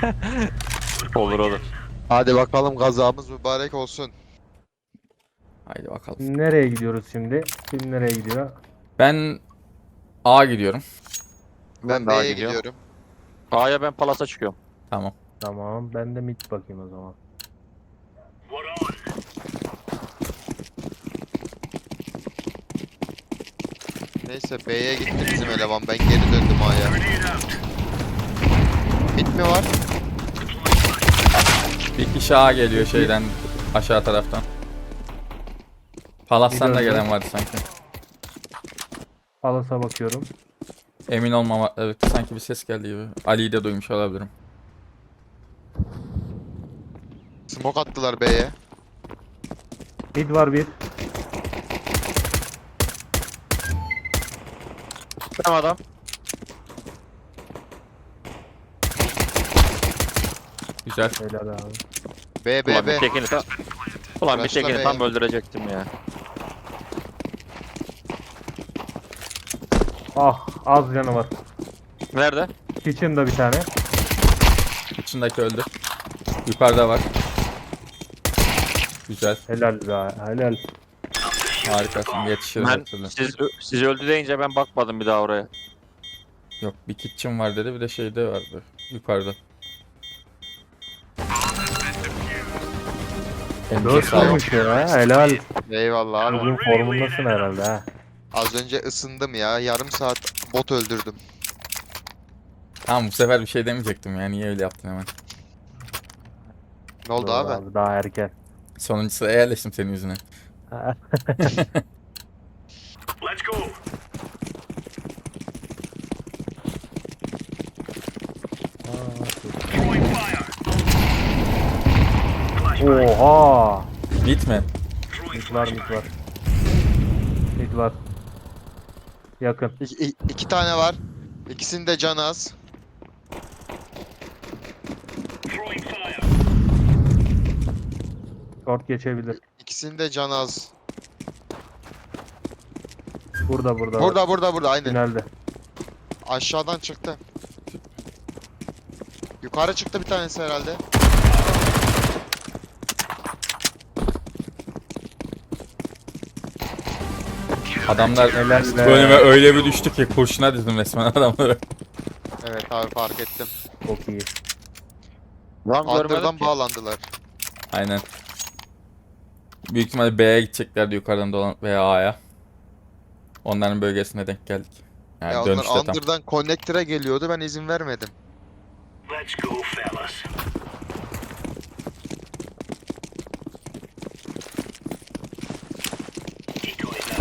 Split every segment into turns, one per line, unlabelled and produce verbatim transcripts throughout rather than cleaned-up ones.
Olur olur.
Hadi bakalım kazamız mübarek olsun.
Haydi bakalım.
Nereye gidiyoruz şimdi? Kim nereye gidiyor?
Ben A gidiyorum.
Ben
daha
B'ye
gidiyorum.
gidiyorum.
A'ya ben Palas'a çıkıyorum.
Tamam.
Tamam. Ben de mid bakayım o zaman.
Neyse B'ye gitti bizim eleman. Ben geri döndüm A'ya. Mid mi var?
Bir kişi A geliyor şeyden aşağı taraftan. Palas'tan da
Bir
gelen vardı sanki.
Palas'a bakıyorum.
Emin olmama, evet sanki bir ses geldi gibi. Ali'yi de duymuş olabilirim.
Smoke attılar B'ye.
Mid var bir.
Tamam adam.
Güzel.
Helal abi.
B
Ulan
B
bir
B.
tekini tam. Ulan bir
Başla
tekini
be.
tam öldürecektim ya.
Ah, az canı var.
Nerede?
Kitchen'da bir tane.
İçindeki öldü. Yukarıda var. Güzel.
Helal be. Helal.
Harikasın. Yetişiriz
Ben
her türlü.
siz, siz öldü deyince ben bakmadım bir daha oraya.
Yok, bir kitchen var dedi, bir de şeyde vardı. Yukarıda. Elinize
Dört
sağlık.
olmuş ya. Helal.
Eyvallah abi.
Bugün formundasın herhalde ha.
Az önce ısındım ya. Yarım saat bot öldürdüm.
Tamam, bu sefer bir şey demeyecektim ya. Niye öyle yaptın hemen?
Ne oldu
Doğru
abi?
Daha erken.
Sonuncu sıraya yerleştim senin yüzüne.
Oha.
Bit mi?
Mid var mid var. Mid var. Yakın.
İki, i- iki tane var. İkisinin de canı az.
Short geçebilir.
İkisinin de canı az.
Burada burada.
Burada burada burada aynen.
Tünelde.
Aşağıdan çıktı. Yukarı çıktı bir tanesi herhalde.
Adamlar
Helal
bu
be.
bölüme öyle bir düştü ki kurşuna dizdim resmen adamları.
Evet abi fark ettim.
Çok iyi.
Lan görmedim
Under'dan
ki.
bağlandılar.
Aynen. Büyük ihtimalle B'ye gideceklerdi yukarıdan dolan veya A'ya. Onların bölgesine denk geldik. Yani
Ya
dönüşte
onlar
tam.
Under'dan connector'a geliyordu ben izin vermedim.
Let's go, fellas. Decoys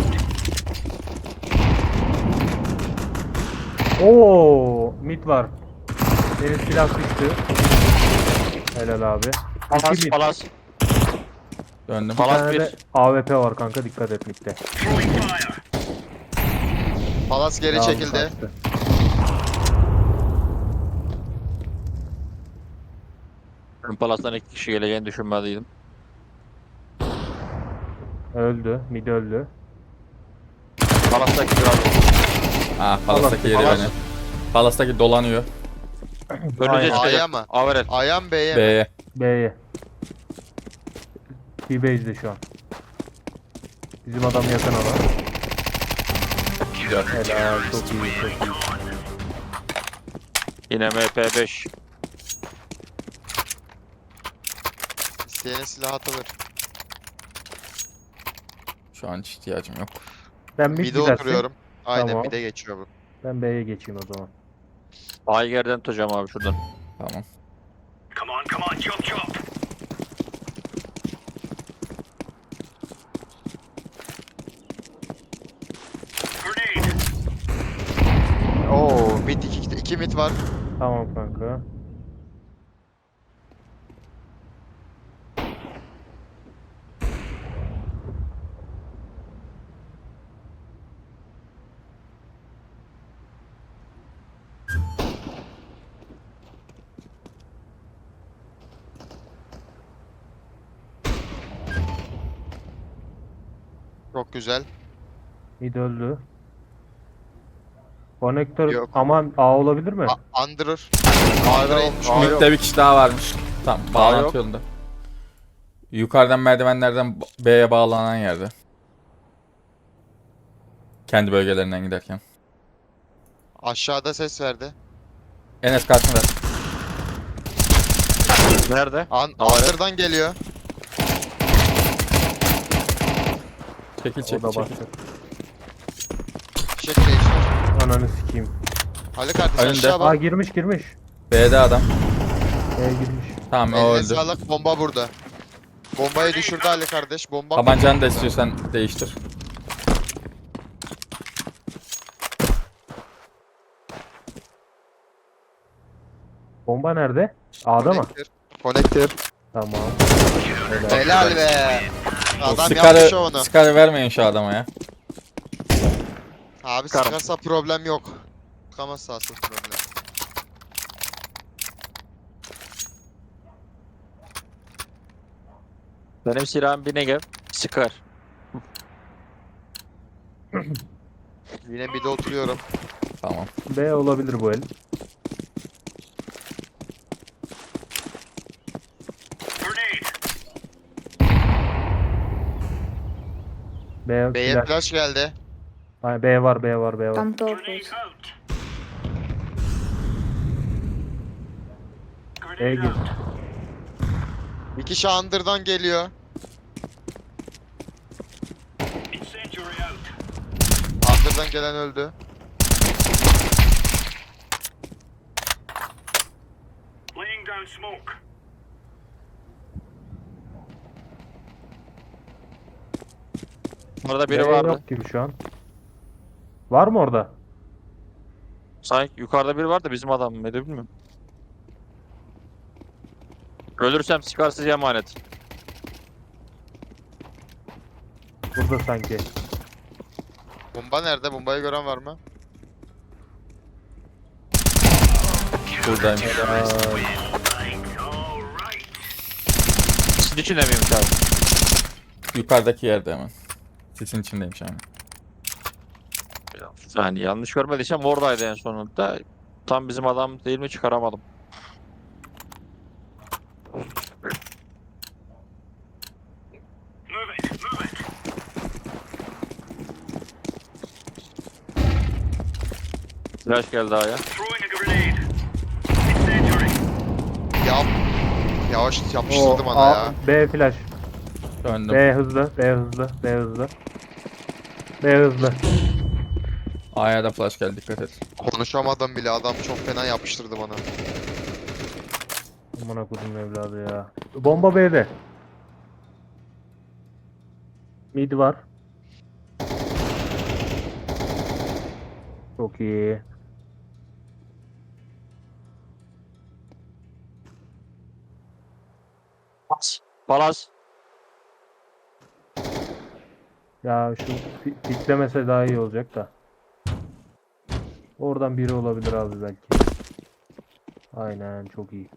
out.
Oo, mid var. Benim silah düştü. Helal abi.
Palas
İki mid.
Palas.
Döndüm.
Bir
Palas
tane
bir.
de A W P var kanka, dikkat et midde.
Throwing fire.
Palas geri
Yalnız
çekildi.
kaçtı.
Ben Palas'tan iki kişi geleceğini düşünmediydim.
Öldü. Mid öldü.
Palas'taki biraz
Ah, Palas'taki yeri
Palas.
beni. Palas'taki dolanıyor.
önünüze
Aynen.
A'ya
çıkacak.
mı?
Averel.
A'ya mı B'ye mi?
B'ye.
B'ye. T-base'de şu an. Bizim adam yakın ama.
Güzel.
Helal. Çok iyi. Çok iyi.
Yine M P beş.
İsteyene silah atılır.
Şu an hiç ihtiyacım yok.
Ben mid
Mid'e
gidersin.
oturuyorum. Aynen
Tamam.
mid'e geçiyor bu.
Ben B'ye geçeyim o zaman.
Ayger'den tutacağım abi şuradan.
Tamam.
Come on, come on, jump, jump. Grenade.
Oo mid iki, iki mid var.
Tamam kanka.
Çok güzel.
Mid öldü. Konektör
Yok.
aman A olabilir mi?
A Under. A'da inmiş.
Aa, yok.
Mid'de bir kişi daha varmış. Tamam,
yok.
bağlantı yolunda. Yukarıdan merdivenlerden B'ye bağlanan yerde. Kendi bölgelerinden giderken.
Aşağıda ses verdi.
Enes karşında.
Nerede?
An
Havaya.
Under'dan geliyor.
Çekil
O
çekil
da
çekil.
bastı.
Fişek değiştir.
Ananı sikeyim.
Ali kardeş
Önünde.
aşağı
Aa
bak.
girmiş girmiş.
B'de adam.
B'ye girmiş.
Tamam o
Eline
öldü.
sağlık, bomba burada. Bombayı düşürdü Ali kardeş. Bomba
Tabancanı da istiyorsan değiştir.
Bomba nerede? A'da mı?
Connector. Connector.
Tamam. Helal.
Helal be. Adam yapmış
Scar'ı
onu.
Scar'ı vermeyin şu adama ya.
Abi
Çıkarım.
sıkarsa problem yok. Sıkamazsa asıl problem.
Benim silahım bir Negev. Sıkar.
Yine bir de oturuyorum.
Tamam.
B olabilir bu el.
Grenade.
B,
B'ye
flash.
flash geldi.
Ay, B var B var B var.
Там
Grenade
топают.
out.
B'ye
Grenade
gir.
out.
Bir kişi Under'dan geliyor.
Incendiary out.
Under'dan gelen öldü.
Laying down smoke.
Orada
B
biri vardı.
yok gibi şu an. Var mı orada?
Sanki yukarıda biri vardı bizim adam mıydı bilmiyorum. Ölürsem Scar size emanet.
Burada sanki.
Bomba nerede? Bombayı gören var mı?
Buradaymış.
Aa,
Right. All right.
Sizin içinde miymiş abi?
Yukarıdaki yerde hemen. Sisin içindeymiş yani.
Yani yanlış görmediysem oradaydı en sonunda. Tam bizim adam değil mi çıkaramadım.
Move it. Move it.
Flash geldi A'ya.
Throwing a grenade. Incendiary.
Ya yavaş
o,
yapıştırdı bana
A,
ya.
B flash.
Döndüm.
B hızlı. B hızlı. B hızlı. B hızlı.
A'ya da flash geldi, dikkat et.
Konuşamadım bile, adam çok fena yapıştırdı bana.
Aman okudum evladı ya. Bomba B'de. Mid var. Çok iyi.
Palas.
Ya şu pi- piklemese daha iyi olacak da. Oradan biri olabilir abi belki. Aynen çok iyi.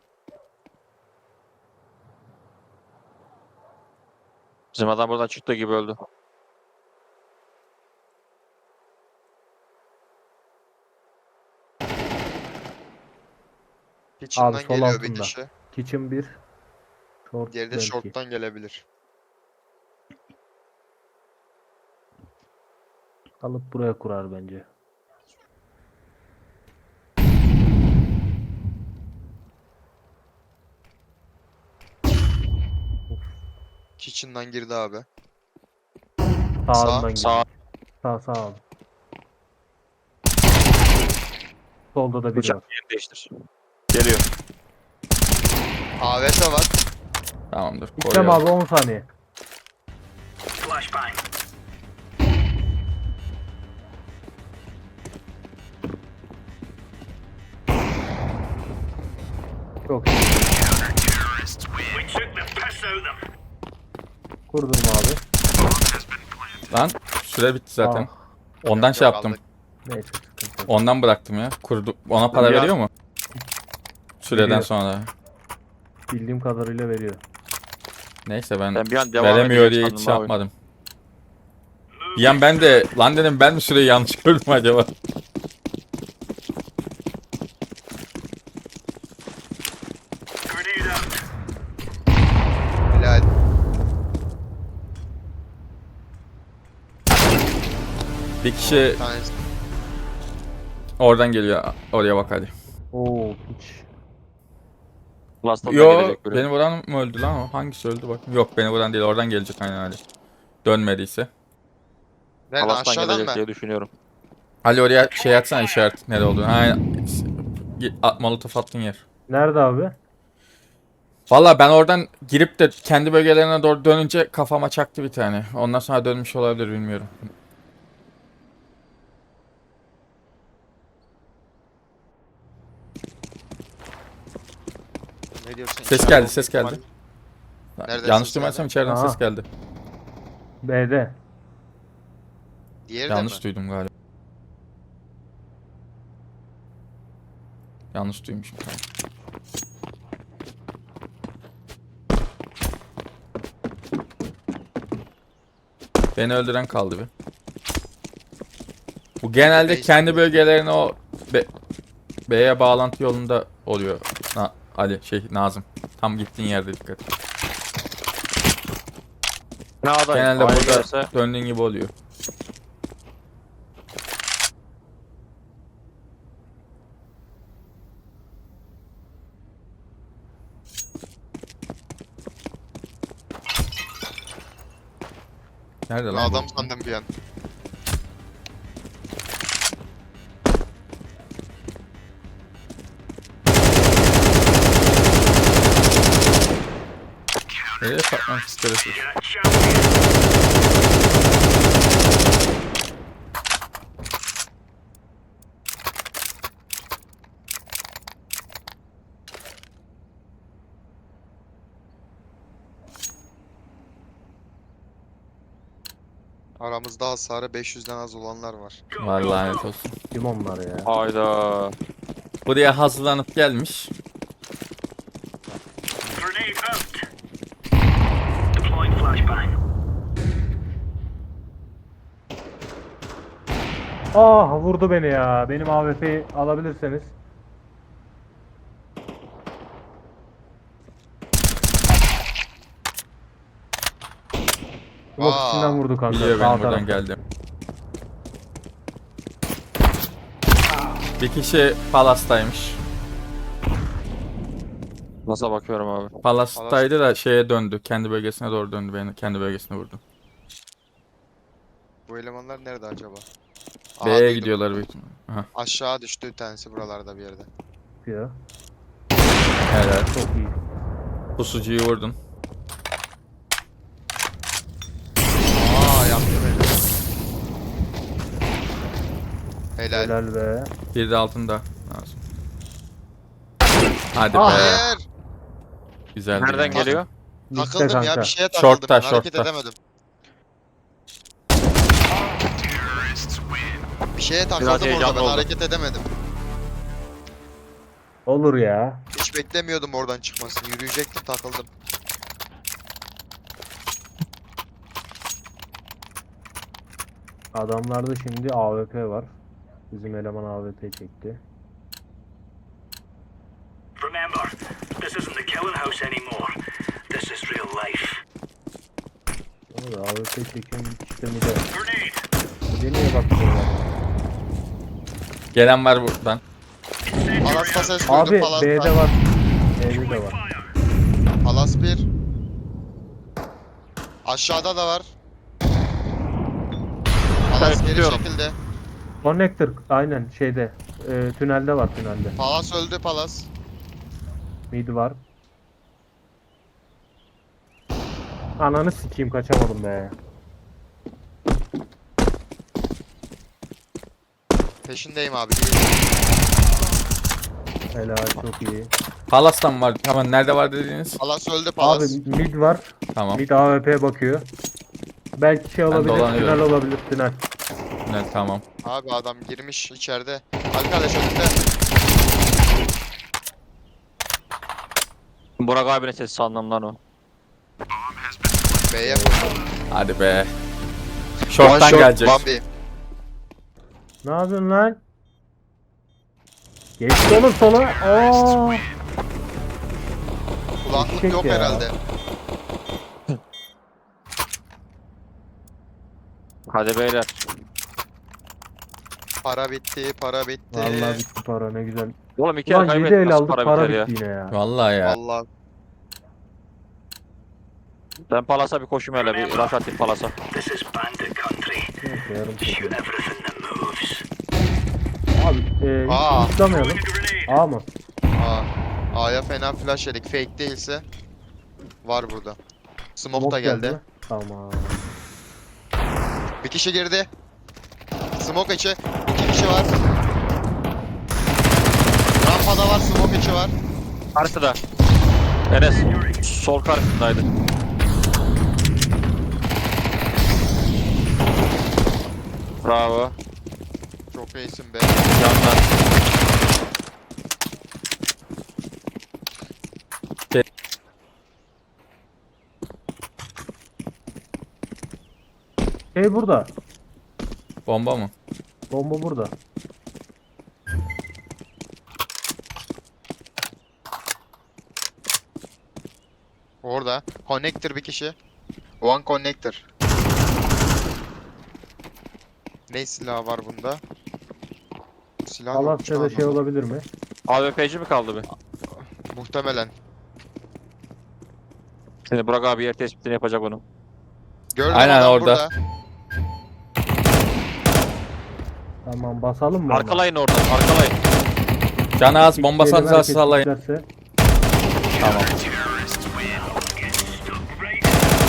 Bizim adam buradan çıktı gibi öldü.
Kitchen'dan
Abi, sol
geliyor bir
altında.
kişi.
Kitchen bir. Short
Diğeri de
belki.
short'tan gelebilir.
Alıp buraya kurar bence.
Kitchen'dan girdi abi.
Sağından
Sağ.
gidiyor. Sağ sağ abi. Solda da biri
Bıçak
var.
yerini değiştir. Geliyor.
A W P var.
Tamamdır.
İstem
Koruyorum.
abi on saniye.
Flashbang.
Çok iyi.
We took the piss out of them.
Kurdum abi.
Lan süre bitti zaten.
Aa,
Ondan şey
Yok,
yaptım.
aldık.
neyse sıkıntı yok.
Ondan bıraktım ya. Kurdu. Ona para
Ya-
veriyor mu? Süreden
Veriyor.
sonra.
Bildiğim kadarıyla veriyor.
Neyse ben
Ben bir an devam
veremiyor
edecek
diye
sandım
hiç şey
abi.
yapmadım. Bir an ben de lan dedim, ben mi süreyi yanlış gördüm acaba?
Grenade out.
Helal.
Bir kişi
Bir tanesi.
oradan geliyor. Oraya bak hadi.
Oo piç.
Last'tan
Yo,
gelecek biri.
beni vuran mı öldü lan o? Hangisi öldü bak. Yok, beni vuran değil. Oradan gelecek aynen hadi. Dönmediyse.
Nereden,
Palas'tan
aşağıdan
gelecek
mı?
diye düşünüyorum.
Ali oraya şey atsana, işaret nerede olduğunu. Aynen. At, molotof attığın yer.
Nerede abi?
Valla ben oradan girip de kendi bölgelerine doğru dönünce kafama çaktı bir tane. Ondan sonra dönmüş olabilir, bilmiyorum.
Ne diyorsun?
Ses
İçeride
geldi,
olma
ses
ihtimali-
geldi.
Nereden
Yanlış
ses
duymarsam
geldi?
içeriden
Aha.
ses geldi.
B'de.
Diğeri de
Yanlış
mi?
duydum galiba. Yanlış duymuşum. Tamam. Beni öldüren kaldı bir. Bu genelde
Base
kendi
mi?
bölgelerine o B- B'ye bağlantı yolunda oluyor. Na- Ali şey Nazım. Tam gittiğin yerde dikkat.
Ne aday?
Genelde
A'ya
burada
gelirse
döndüğün gibi oluyor. Nerede
Ben
lan bu?
adam sandım bir an.
Nereye patlamış şerefsiz?
You're a champion.
Aramızda hasarı beş yüzden az olanlar var.
Go,
Var
go,
lanet
go.
olsun.
Kim onlar ya?
hayda.
Buraya hazırlanıp gelmiş.
Grenade out. Deploying flashbang.
Ah vurdu beni ya. Benim A W P'yi alabilirseniz. Smoke
Aa,
içinden vurdu kanka.
Biliyor
sağ
benim buradan
tarafta.
geldim. Bir kişi Palas'taymış.
Nasıl bakıyorum abi?
Palas'taydı da şeye döndü. Kendi bölgesine doğru döndü. Beni kendi bölgesine vurdu.
bu elemanlar nerede acaba? Aa,
B'ye
duydum.
gidiyorlar büyük ihtimalle. Aha,
Aşağı düştü bir tanesi buralarda bir yerde.
Ya.
helal.
Çok iyi.
Pusucuyu vurdun.
Aa, yaptı beni. Helal.
Helal be.
Bir de altında. Lazım. Hadi
Ah.
be.
Hayır.
Güzel.
Nereden
değil mi?
geliyor?
Bitti
Takıldım ya,
kanka.
bir şeye takıldım.
Short'ta,
ben, hareket
short'ta.
edemedim. Bir şeye takıldım orada,
heyecanlı
ben
oldu.
hareket edemedim.
Olur ya.
Hiç beklemiyordum oradan çıkmasını. Yürüyecektim, takıldım.
Adamlarda şimdi A W P var. Bizim eleman A W P çekti.
Remember, this isn't the killing house anymore. This is real life.
Ama da A W P çeken bir kişi de mi de?
Grenade.
Bir de niye bakıyorlar?
Gelen var buradan.
Palas'ta ses duydum,
Abi
Palas'ta.
B'de var. B'de de var.
Fire.
Palas bir. Aşağıda da var. Palas geri
tutuyorum.
şekilde.
Connector aynen şeyde. E, tünelde var tünelde.
Palas öldü, Palas.
Mid var. Ananı sikeyim kaçamadım be.
Peşindeyim abi.
Helal çok iyi.
Palas'tan var. Tamam, nerede var dediğiniz?
Palas öldü,
Abi
Palas.
mid var.
Tamam.
Mid A W P bakıyor. Belki şey olabilir,
dolanıyorum.
tünel olabilir, tünel.
Evet, tamam.
Abi adam girmiş içeride. Arkadaş önünde.
Burak abinin sesi sandım lan o.
B'ye
Hadi be.
One
Short'tan
shot,
gelecek.
Bambi.
Ne yapıyorsun lan? Geçti oğlum sola. Aa.
Kulaklık
Çek
yok
ya.
herhalde.
Hadi beyler.
Para bitti, para bitti.
Vallahi bitti para ne güzel.
Oğlum iki el
Ulan yedi
kaybettik.
el
Nasıl
aldık
para,
para
biter ya?
bitti yine ya.
Vallahi ya.
Vallahi
Ben Palas'a bir koşayım hele bir rush atayım Palas'a.
This is bandit country.
Neyse yarım
Shoot
çekiyor.
everything that moves.
Abi e,
Aa.
hiç tutamayalım.
Throwing a grenade.
A mı?
Aa, A'ya fena flash yedik. Fake değilse var burada. Smoke,
Smoke
da geldi.
mi? Tamam.
Bir kişi girdi. Smoke içi. İki kişi var. Rampada var, smoke içi var.
Karşıda. Enes sol karşısındaydı. Bravo.
Çok iyisin be.
Yandan.
Şey burada.
Bomba mı?
Bomba burada.
Orada. Connector bir kişi. One connector. Ne silahı var bunda? Silah yokmuş
Alasya'da şey
anlamadım.
olabilir mi?
A W P'ci mi kaldı bir?
Muhtemelen.
Şimdi Burak abi yer tespitini yapacak onu.
Gördüm
Aynen
adam
orada.
burada.
Tamam basalım mı? ona?
Arkalayın oradan, arkalayın.
Canı az bomba
Diyelim
sanırsa
herkes
sallayın.
isterse.
Tamam.
Terrorists win. Get stuck right.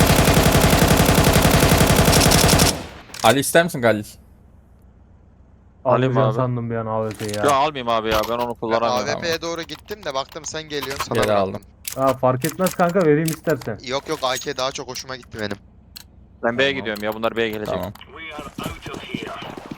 Ali ister misin Galil?
Alayım
Alacağım
abi.
sandım bir an A W P'yi ya.
Ya almayayım abi ya, ben onu
Ben
kullanamıyorum.
A W P'ye doğru gittim de baktım sen geliyorsun sana
Geri
bıraktım.
aldım.
Ha, fark etmez kanka vereyim istersen.
Yok yok A K daha çok hoşuma gitti benim.
Ben B'ye
Tamam.
gidiyorum ya, bunlar B'ye gelecek.
Tamam.
We are out of here.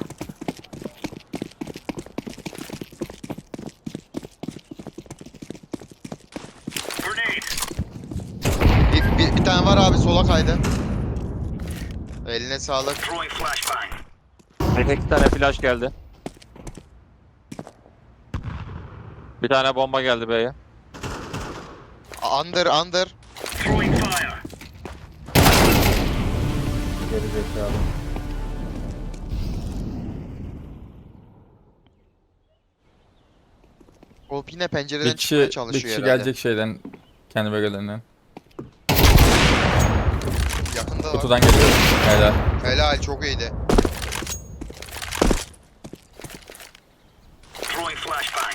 Grenade.
Bir, bir, bir tane var abi sola kaydı. Eline sağlık.
Throwing flashbang.
Bir iki tane flash geldi. Bir tane bomba geldi B'ye.
Under under.
Throwing fire.
Geri zekalı.
O yine pencereden
Bir
çıkmaya
kişi, bir
çalışıyor
kişi
herhalde.
gelecek şeyden. Kendi bölgelerinden.
Yakında var.
Kutudan geliyor. Helal.
Helal çok iyiydi.
Throwing flashbang.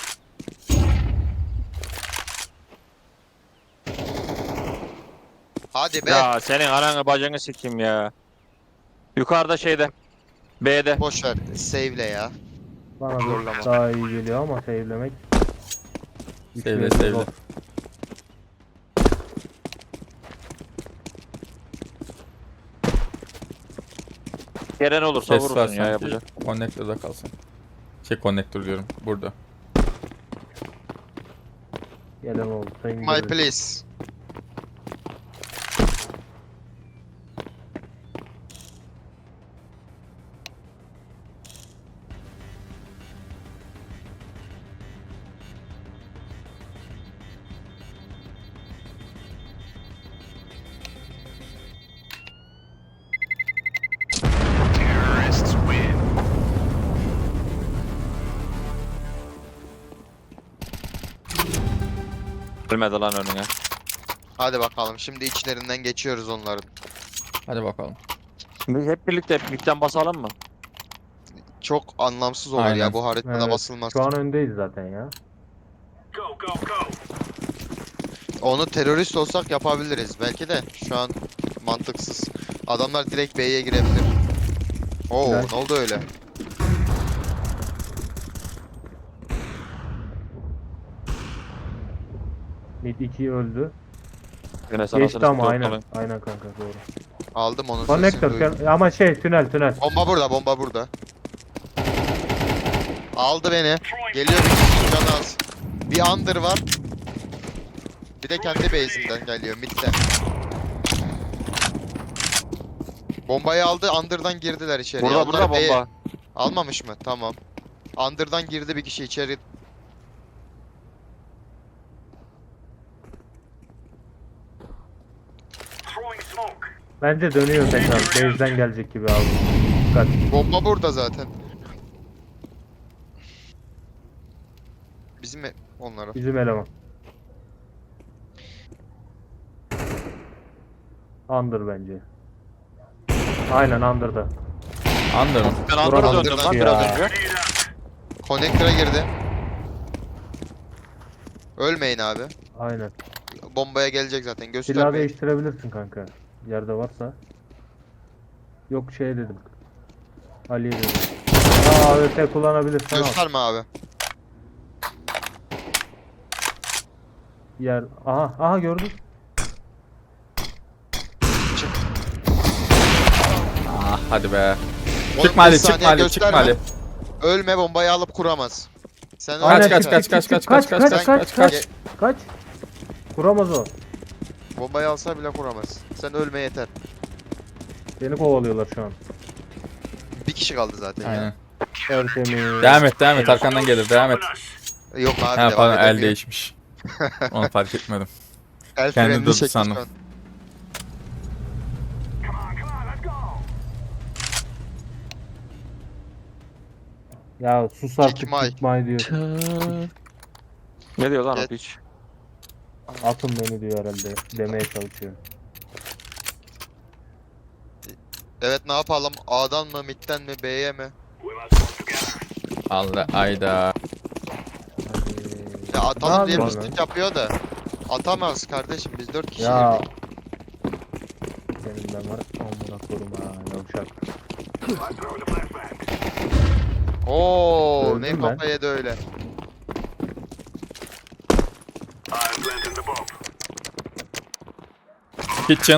Hadi be.
Ya senin ananı bacını sikeyim ya. Yukarıda şeyde. B'de.
Boş ver. Save'le ya.
Bana
Zorlama.
da daha iyi geliyor ama save'lemek.
Save'le,
işimiz
save'le.
zor.
Gelen olursa
Ses var
vurursun ya,
sanki.
yapacak.
Connector'da kalsın. Şey connector diyorum. Burada.
Gelen oldu. Sayın
My
görevli.
please.
Terrorists win.
Ölmedi lan önüne.
Hadi bakalım. Şimdi içlerinden geçiyoruz onların.
Hadi bakalım.
Şimdi hep birlikte midden basalım mı?
Çok anlamsız olur
Aynen.
ya bu haritada
Evet,
basılmaz.
Şu an öndeyiz zaten ya.
Go, go, go.
Onu terörist olsak yapabiliriz. Belki de şu an mantıksız. Adamlar direkt B'ye girebilir. Oo
Flash.
ne oldu öyle?
Mid iki öldü.
Yine sana
Geçti
sırası
ama
yok
aynen.
kalın.
Aynen kanka doğru.
Aldım onun sesini
Connector
duydum.
sen- ama şey tünel tünel.
Bomba burada, bomba burada. Aldı beni. Geliyor bir kişi canı az. Bir under var. Bir de kendi base'inden geliyor midden. Bombayı aldı, under'dan girdiler içeriye.
Burada
Onlar
burada
B'ye-
bomba.
Almamış mı? Tamam. Under'dan girdi bir kişi içeri.
Throwing smoke.
Bence dönüyor tekrar. Base'den gelecek gibi abi. Dikkat.
Bomba burada zaten. Bizim e- onları.
Bizim eleman. Under bence. Aynen Under'da.
Under mı?
Ben Andor'a
Burak
döndüm lan
Andor'dan
biraz
ya.
önce.
Connector'a girdi. Ölmeyin abi.
Aynen.
Bombaya gelecek zaten.
Silah
Göstermeyin.
değiştirebilirsin kanka. Yerde varsa. Yok şey dedim. Ali'ye dedim. Aa A W P kullanabilirsen al.
Gösterme abi.
Yer. Aha aha gördün.
Ah hadi be.
on
Çıkma Ali,
beş
çıkma
saniye
Ali,
gösterme.
çıkma Ali.
Ölme, bombayı alıp kuramaz. Sen
Kaç,
öyle
kaç,
gel.
kaç, kaç, kaç,
kaç,
kaç,
kaç,
kaç,
kaç,
kaç,
kaç,
kaç.
kaç. Kuramaz o.
Bombayı alsa bile kuramaz. Sen ölme yeter.
Beni kovalıyorlar şu an.
Bir kişi kaldı zaten
Aynen.
ya.
Tertemiz.
Devam et, devam et. Arkandan gelir, devam et.
Yok abi
Ha
devam
pardon, el
edemiyor.
değişmiş. Onu fark etmedim.
El
Kendi
frenini
durdu
çekmiş
sandım.
şu an.
Come on, come on, let's go.
Ya sus artık
Kickmay.
kickmay diyor.
Ne diyor lan o
Evet.
piç?
Atın beni diyor herhalde. Demeye çalışıyor.
Evet, ne yapalım? A'dan mı, mid'den mi, B'ye mi?
We must work together.
Allah ayda.
Hadi.
Ya atalım diye
yapıyorsun
mistik yapıyor da. Atamaz kardeşim, biz dört kişi
Ya.
girdik.
Benim ben var. Amına korum ha. Yavşak.
I'm throwing a flashbang.
Oo,
Öldüm
ne
ben.
kafa yedi öyle.
I'm planting the bomb.
Kitchen.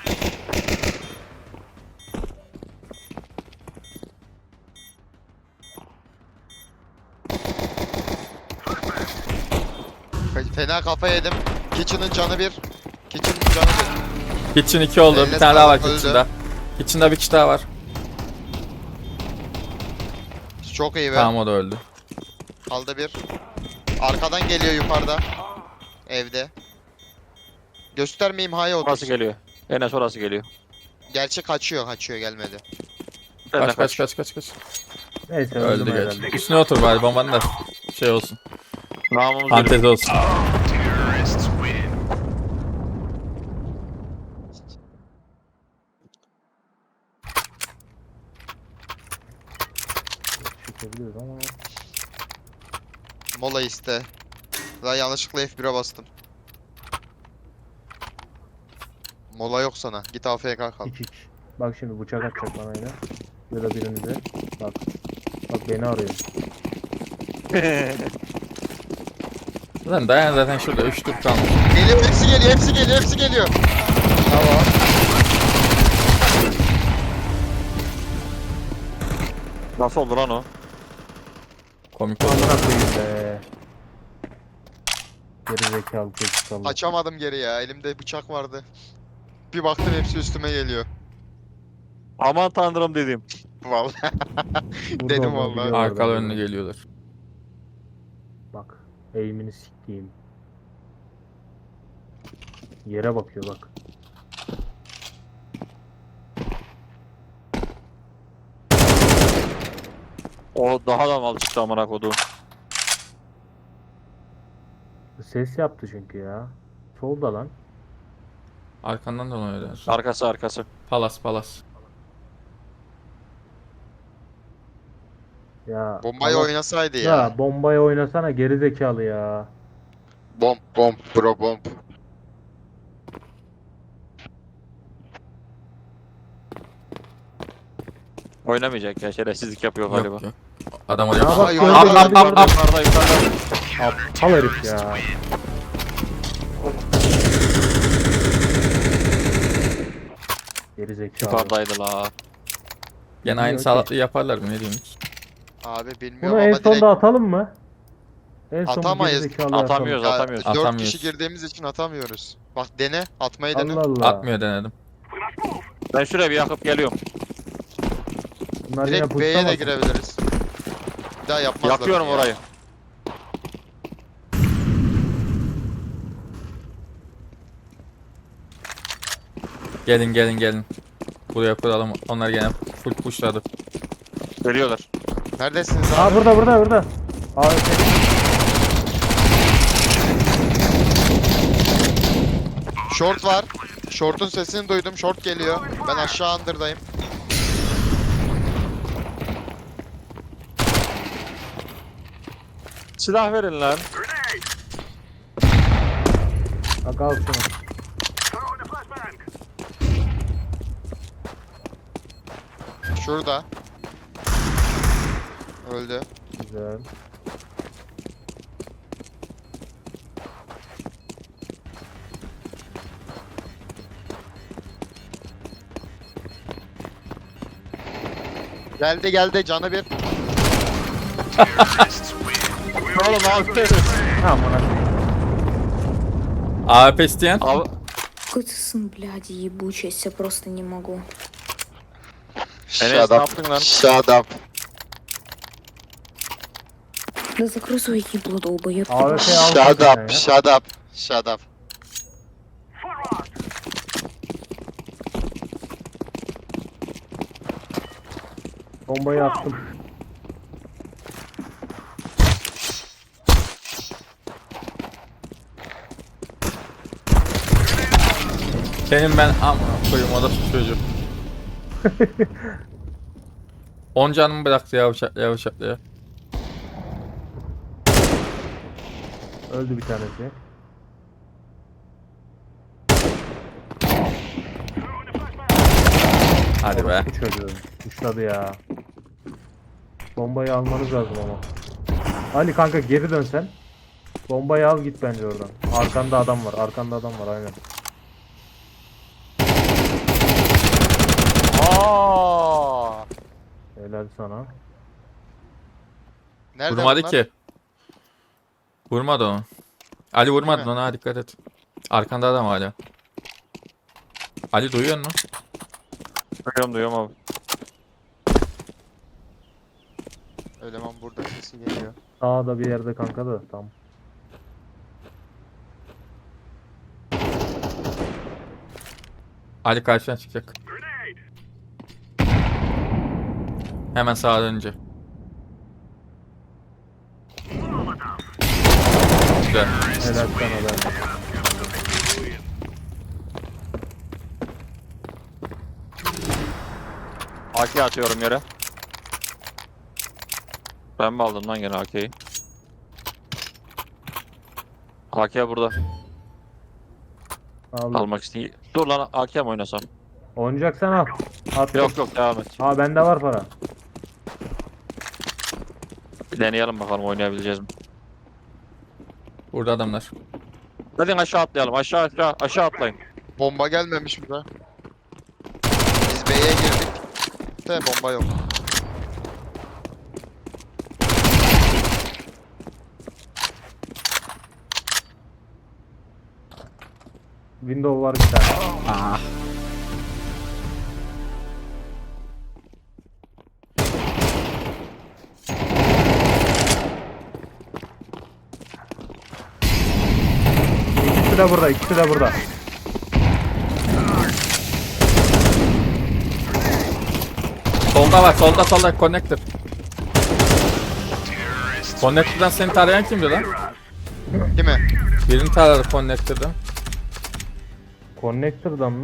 Fena kafa yedim. Kitchen'ın canı bir. Kitchen'ın canı bir.
Kitchen iki oldu.
Eline
Bir tane daha var
sağlık, öldü.
Kitchen'da. Kitchen'da bir kişi daha var.
Çok iyi be.
Tamam o da öldü.
Kaldı bir. Arkadan geliyor yukarıda. Evde. Göstermeyeyim haya
Orası
otursun.
geliyor. Enes orası geliyor.
Gerçi kaçıyor, kaçıyor gelmedi.
Sen de
Kaç kaç kaç kaç kaç.
Neyse
Öldü
öldüm
geç.
herhalde.
Üstüne otur bari bombanın da şey olsun.
Namımız
Fantezi
yürüyor.
olsun.
Terrorists win.
Çıkabiliyoruz ama.
Mola iste. Daha yanlışlıkla F bire bastım. Mola yok sana. Git A F K kal.
Hiç hiç. Bak şimdi bıçak atacak bana yine. Ya da birinize. Bak. Bak beni arıyor.
Lan dayan zaten şurada üç tur kalmış.
Geliyor, hepsi geliyor, hepsi geliyor, hepsi geliyor.
Tamam.
Nasıl oldu lan o?
Komik oldu.
Amına koyayım be. Geri zekalı çocuk kaldı.
Açamadım geri ya. Elimde bıçak vardı. Bir baktım hepsi üstüme geliyor.
Aman tanrım dedim.
Vallahi.
Burada
dedim
olduğunu
vallahi.
biliyorlar
Arkalı
bence.
önlü geliyorlar.
Bak. Eğimini siktiğim. Yere bakıyor bak.
O daha da mal çıktı amına koduğum.
Ses yaptı çünkü ya. Solda lan.
Arkandan dolanıyorlar.
Arkası arkası.
Palas palas.
Ya.
Bombayı
ama-
oynasaydı
Ya.
ya.
bombayı oynasana geri zekalı ya.
Bomb, bomb, bro bomb.
Oynamayacak ya, şerefsizlik yapıyor galiba.
Yok yok. Adam oraya.
Ya bak
Ay,
gördü
ay,
gördü
ay,
gördü.
ay,
Yukarıda yukarıda.
Aptal herif ya. Geri zekalı.
Yukarıdaydı la.
Gene aynı
Okey.
salatlığı yaparlar mı ne diyeyim hiç.
Abi bilmiyorum
Bunu en
ama
sonda
direkt
atalım mı? En son bu
Atamayız.
gerizekalı
Atamıyoruz.
ya,
atamıyoruz.
dört
Atamıyoruz.
kişi girdiğimiz için atamıyoruz. Bak dene, atmayı dene.
Allah Allah.
Atmıyor denedim.
We must move.
Ben şuraya bir yakıp geliyorum.
Bunlar yine
Direkt B'ye de
puşlamasın.
girebiliriz. Bir daha yapmazlar.
Yakıyorum
ya.
orayı.
Gelin gelin gelin. Buraya kuralım. Onlar gene full pushladı.
Geliyorlar.
Neredesiniz
Aa
abi?
burada burada burada. A W P.
Short var. Short'un sesini duydum. Short geliyor. Ben aşağı under'dayım.
Silah verin lan.
Bak al şunu.
Throwing a flashbang.
Şurada. Öldü.
Güzel.
Geldi geldi canı bir.
Oğlum abi.
Tamam ona.
A W P isteyen.
Abi
Какой ты сын, блядь, ебучий, я себя просто не могу.
Enes ne yaptın lan?
Shut up.
Да закрой свое ебло, долбоёб.
A W P al.
Shut
kendine
up.
ya.
Shut up. Shut up.
Forward.
Bombayı attım.
Senin ben amına koyayım o da şu çocuk. on canımı bıraktı ya bıçak ya bıçak ya.
Öldü bir tanesi.
Hadi be.
Bu çocuğu. Uçladı ya. Bombayı almanız lazım ama. Ali kanka geri dön sen. Bombayı al git bence oradan. Arkanda adam var. Arkanda adam var aynen.
Aa!
Helal sana.
Nerede
Vurmadı
bunlar?
ki. Vurmadı onu. Ali vurmadı
mi?
ona ha, dikkat et. Arkanda adam hala. Ali duyuyor musun?
Duyuyorum duyuyorum abi.
Eleman burada sesi geliyor.
Sağda bir yerde kanka da tam.
Ali karşıdan çıkacak. Hemen sağa dönünce. Güzel.
Helal sana ben.
A K atıyorum yere. Ben mi aldım lan gene A K'yi? A K burada.
Al.
Almak istedim. Dur lan A K mi oynasam?
Oynayacaksan al. At.
Yok yok devam et.
Aa bende var para.
Bir deneyelim bakalım oynayabileceğiz mi?
Burada adamlar.
Hadi aşağı atlayalım. Aşağı aşağı aşağı atlayın.
Bomba gelmemiş burada. Biz B'ye girdik. De bomba yok.
Window var bir tane.
Ah.
İkisi de burada, ikisi de burada.
Solda var, solda solda connector. Connector'dan seni tarayan kimdi lan?
Değil mi?
Birini taradı connector'dan.
Connector'dan mı?